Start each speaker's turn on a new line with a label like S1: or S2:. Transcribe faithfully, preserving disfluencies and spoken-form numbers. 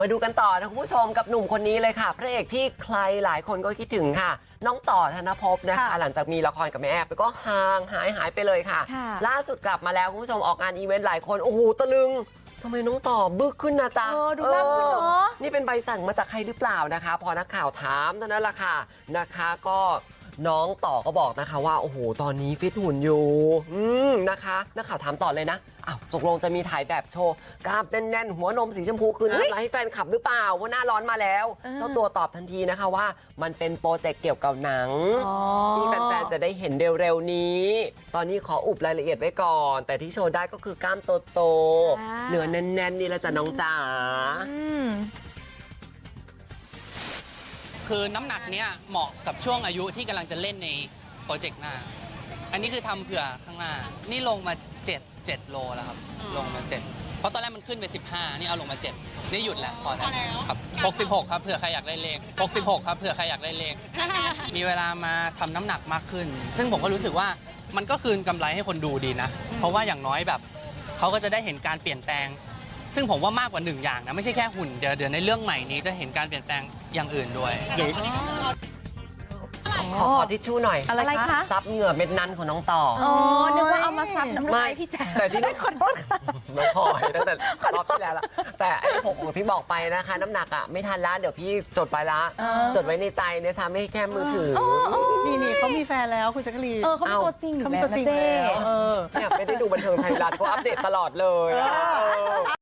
S1: มาดูกันต่อนะคุณผู้ชมกับหนุ่มคนนี้เลยค่ะพระเอกที่ใครหลายคนก็คิดถึงค่ะน้องต่อธนภพนะคะหลังจากมีละครกับแม่แอบไปก็ห่างหายหายไปเลยค่ะล่าสุดกลับมาแล้วคุณผู้ชมออกงานอีเวนต์หลายคนโอ้โหตะลึงทำไมน้องต่อบึกขึ้นนะจ๊ะ
S2: เออดูน่าขึ้นเนาะ
S1: นี่เป็นใบสั่งมาจากใครหรือเปล่านะคะพอนักข่าวถามเท่านั้นแหละค่ะนะคะก็น้องต่อก็บอกนะคะว่าโอ้โหตอนนี้ฟิตหุ่นอยู่อืมนะคะนักข่าวถามต่อเลยนะอ้าวตกลงจะมีถ่ายแบบโชว์กล้ามแน่นๆหัวนมสีชมพูคืนน้ำลายให้แฟนคลับหรือเปล่าว่าหน้าร้อนมาแล้วเจ้าตัวตอบทันทีนะคะว่ามันเป็นโปรเจกต์เกี่ยวกับหนังที่แฟนๆจะได้เห็นเร็วๆนี้ตอนนี้ขออุบรายละเอียดไว้ก่อนแต่ที่โชว์ได้ก็คือกล้ามโตๆเนื้อแน่นๆนี่แหละจ้ะน้องจ๋า
S3: คือน้ำหนักเนี้ยเหมาะกับช่วงอายุที่กำลังจะเล่นในโปรเจกต์หน้าอันนี้คือทำเผื่อข้างหน้านี่ลงมาเจ็ด เจ็ดโลแล้วครับลงมาเจ็ดเพราะตอนแรกมันขึ้นไปสิบห้านี่เอาลงมาเจ็ดนี่หยุดแล้วพอแล้วครับหกสิบหกครับเผื่อใครอยากได้เลขหกสิบหกครับเผื่อใครอยากได้เลข มีเวลามาทำน้ำหนักมากขึ้นซึ่งผมก็รู้สึกว่ามันก็คืนกำไรให้คนดูดีนะเพราะว่าอย่างน้อยแบบเขาก็จะได้เห็นการเปลี่ยนแปลงซึ่งผมว่ามากกว่าหนึ่งอย่างนะไม่ใช่แค่หุ่นเดี๋ยวเดี๋ยวในเรื่องใหม่นี้จะเห็นการเปลี่ยนแปลงอย่างอื่นด้วย
S1: ขอขอทิชชู่หน่อย
S2: อะไรคะ
S1: ซับเหงื่อเม็ดนั้นของน้องต่อ
S2: อ๋อนึกว่าเอามาซับน้ำลายพี่แจ๊
S1: แต่ที่
S2: ขอโทษค่ะ
S1: น้องพลอยตั้งแต่รอบที่แล้วละแต่ไอ้หกของที่บอกไปนะคะน้ำหนักอ่ะไม่ทันละเดี๋ยวพี่จดไปละจดไว้ในใจเนี่ยซ้ำไม่แค่มือถือ
S4: นี่นี่เขามีแฟนแล้วคุณแจ๊กกะลีน
S2: เออเขาเป็นตัวจริงอยู่แล้วนะเจ๊
S1: เนี่ยไม่ได้ดูบันเทิงไทยรัฐก็อัปเดตตลอดเลย